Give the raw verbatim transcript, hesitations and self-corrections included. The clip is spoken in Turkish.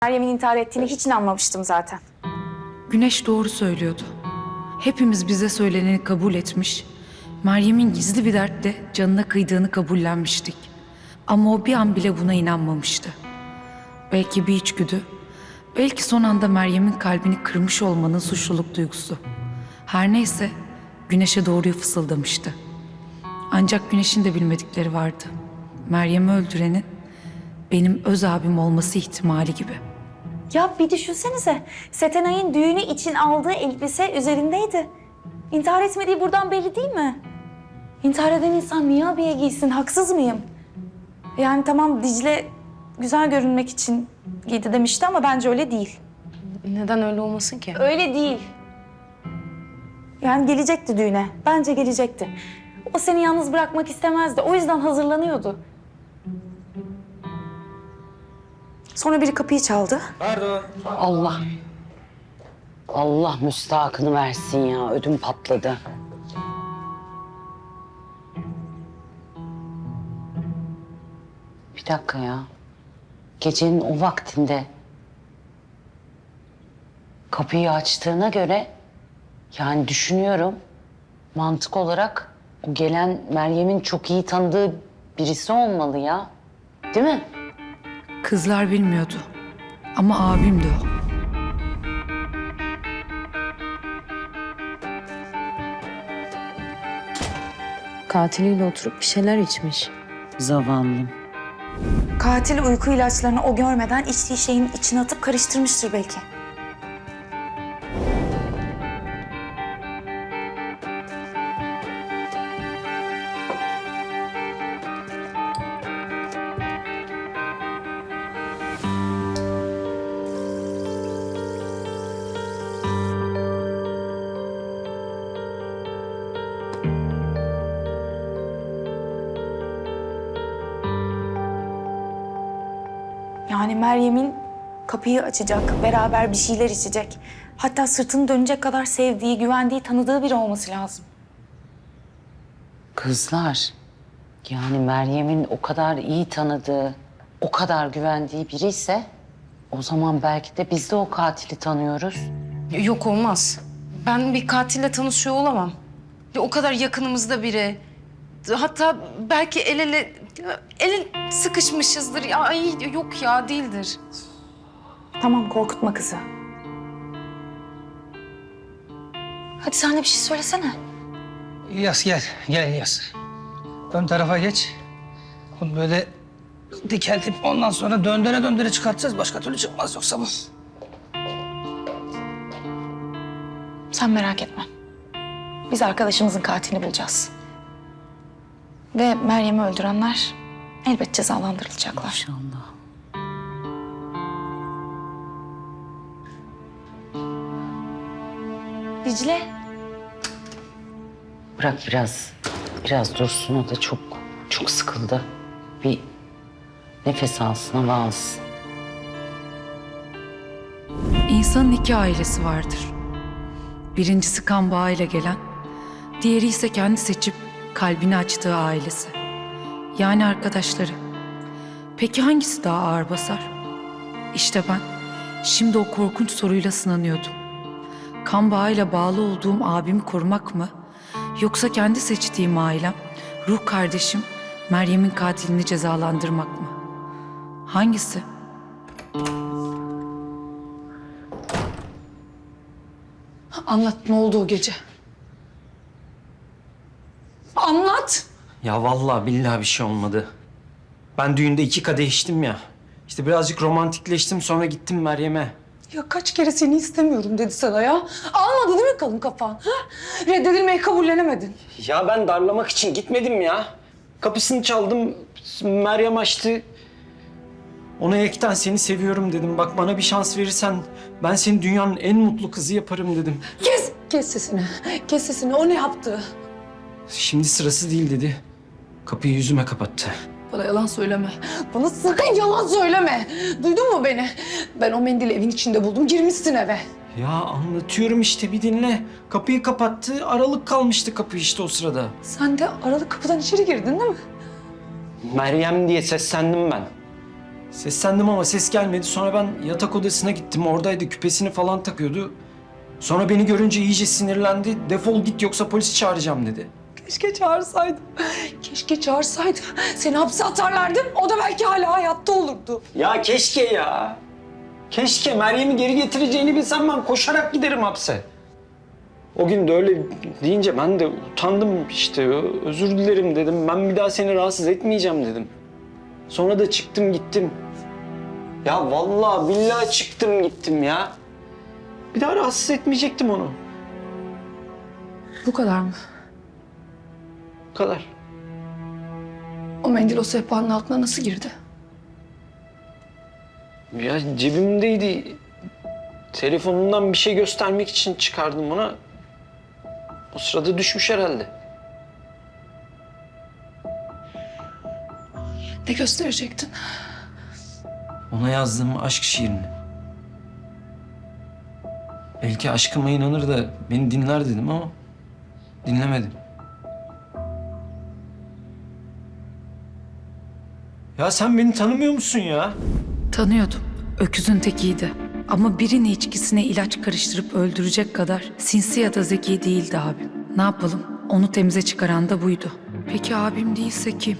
Meryem'in intihar ettiğine hiç inanmamıştım zaten. Güneş doğru söylüyordu. Hepimiz bize söyleneni kabul etmiş, Meryem'in gizli bir dertle canına kıydığını kabullenmiştik. Ama o bir an bile buna inanmamıştı. Belki bir içgüdü, belki son anda Meryem'in kalbini kırmış olmanın suçluluk duygusu. Her neyse Güneş'e doğruyu fısıldamıştı. Ancak Güneş'in de bilmedikleri vardı. Meryem'i öldürenin benim öz abim olması ihtimali gibi. Ya bir düşünsenize. Setenay'ın düğünü için aldığı elbise üzerindeydi. İntihar etmediği buradan belli değil mi? İntihar eden insan niye abiye giysin? Haksız mıyım? Yani tamam Dicle güzel görünmek için giydi demişti ama bence öyle değil. Neden öyle olmasın ki? Öyle değil. Yani gelecekti düğüne. Bence gelecekti. O seni yalnız bırakmak istemezdi. O yüzden hazırlanıyordu. Sonra biri kapıyı çaldı. Pardon. Allah. Allah müstahakını versin ya. Ödüm patladı. Bir dakika ya. Gecenin o vaktinde kapıyı açtığına göre yani düşünüyorum mantık olarak o gelen Meryem'in çok iyi tanıdığı birisi olmalı ya. Değil mi? Kızlar bilmiyordu. Ama abimdi o. Katiliyle oturup bir şeyler içmiş. Zavallım. Katil uyku ilaçlarını o görmeden içtiği şeyin içine atıp karıştırmıştır belki. Yani Meryem'in kapıyı açacak, beraber bir şeyler içecek. Hatta sırtını dönecek kadar sevdiği, güvendiği, tanıdığı biri olması lazım. Kızlar, yani Meryem'in o kadar iyi tanıdığı, o kadar güvendiği biri ise o zaman belki de biz de o katili tanıyoruz. Yok olmaz. Ben bir katille tanışıyor olamam. Ya o kadar yakınımızda biri. Hatta belki el ele, el ele sıkışmışızdır. Ya, ay yok ya değildir. Tamam, korkutma kızı. Hadi sen de bir şey söylesene. İlyas gel, gel İlyas. Ön tarafa geç. Bunu böyle dikeltip ondan sonra döndüre döndüre çıkartacağız. Başka türlü çıkmaz yoksa bu. Sen merak etme. Biz arkadaşımızın katilini bulacağız. Ve Meryem'i öldürenler elbet cezalandırılacaklar. İnşallah. Dicle. Bırak biraz, biraz dursun o da çok, çok sıkıldı. Bir nefes alsın, hava alsın. İnsanın iki ailesi vardır. Birincisi kan bağıyla gelen, diğeri ise kendi seçip kalbini açtığı ailesi. Yani arkadaşları. Peki hangisi daha ağır basar? İşte ben şimdi o korkunç soruyla sınanıyordum. Kan bağıyla bağlı olduğum abimi korumak mı? Yoksa kendi seçtiğim ailem, ruh kardeşim Meryem'in katilini cezalandırmak mı? Hangisi? Anlat ne oldu o gece? Anlat. Ya vallahi billahi bir şey olmadı. Ben düğünde iki kadeh içtim ya. İşte birazcık romantikleştim sonra gittim Meryem'e. Ya kaç kere seni istemiyorum dedi sana ya. Almadı değil mi kalın kafan? Ha? Reddedilmeyi kabullenemedin. Ya ben darlamak için gitmedim ya. Kapısını çaldım, Meryem açtı. Ona yekten seni seviyorum dedim. Bak bana bir şans verirsen ben seni dünyanın en mutlu kızı yaparım dedim. Kes! Kes sesini. Kes sesini. O ne yaptı? Şimdi sırası değil dedi. Kapıyı yüzüme kapattı. Bana yalan söyleme. Bana sakın yalan söyleme. Duydun mu beni? Ben o mendili evin içinde buldum. Girmişsin eve. Ya anlatıyorum işte bir dinle. Kapıyı kapattı, aralık kalmıştı kapı işte o sırada. Sen de aralık kapıdan içeri girdin değil mi? Meryem diye seslendim ben. Seslendim ama ses gelmedi. Sonra ben yatak odasına gittim. Oradaydı, küpesini falan takıyordu. Sonra beni görünce iyice sinirlendi. Defol git yoksa polisi çağıracağım dedi. Keşke çağırsaydım. Keşke çağırsaydım. Seni hapse atarlardı. O da belki hala hayatta olurdu. Ya keşke ya. Keşke Meryem'i geri getireceğini bilsem ben koşarak giderim hapse. O gün de öyle deyince ben de utandım işte. Özür dilerim dedim. Ben bir daha seni rahatsız etmeyeceğim dedim. Sonra da çıktım gittim. Ya vallahi billahi çıktım gittim ya. Bir daha rahatsız etmeyecektim onu. Bu kadar mı? Bu kadar. O mendil o sehpanın altına nasıl girdi? Ya cebimdeydi. Telefonumdan bir şey göstermek için çıkardım ona. O sırada düşmüş herhalde. Ne gösterecektin? Ona yazdığım aşk şiirini. Belki aşkıma inanır da beni dinler dedim ama dinlemedim. Ya sen beni tanımıyor musun ya? Tanıyordum. Öküzün tekiydi. Ama birini içkisine ilaç karıştırıp öldürecek kadar sinsi ya da zeki değildi abim. Ne yapalım? Onu temize çıkaran da buydu. Peki abim değilse kim?